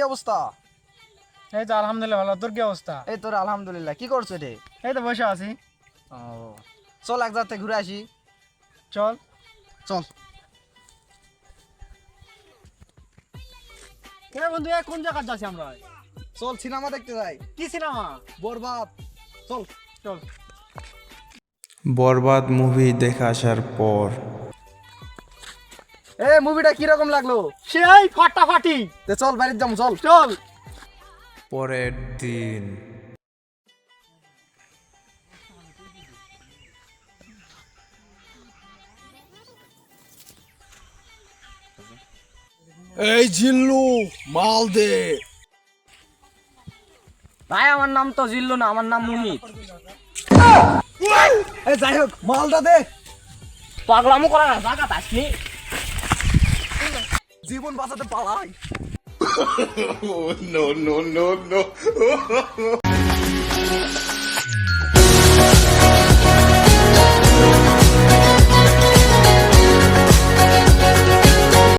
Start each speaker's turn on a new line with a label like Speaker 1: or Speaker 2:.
Speaker 1: অবস্থা?
Speaker 2: এই তো আলহামদুলিল্লাহ ভালো। তোর কি অবস্থা?
Speaker 1: এই তোর আলহামদুলিল্লাহ। কি করছো রে?
Speaker 2: এই তো বসে আছি।
Speaker 1: ও, চল এক জায়গা থেকে ঘুরে আসি।
Speaker 2: চল।
Speaker 1: চল।
Speaker 2: বন্ধু কোন জায়গা যাচ্ছি আমরা?
Speaker 1: চল সিনেমা দেখতে যাই।
Speaker 2: কি সিনেমা?
Speaker 1: বরবাদ। চল।
Speaker 2: চল।
Speaker 3: বরবাদ মুভি দেখে আসার পর
Speaker 1: মুভিটা কি রকম লাগলো?
Speaker 2: সেই ফাটাফাটি।
Speaker 1: চল বাড়িতে যাবো, চল।
Speaker 2: চল।
Speaker 3: পরের দিন
Speaker 1: এই জিল্লু, মাল দে।
Speaker 4: ভাই আমার নাম তো জিল্লু না, আমার নাম মুহিত।
Speaker 1: যাই হোক, মালটা দে।
Speaker 4: পাগলামো করা না, জায়গা আসনি।
Speaker 1: জীবন বাঁচাতে পালাই।
Speaker 5: No, no, no, no.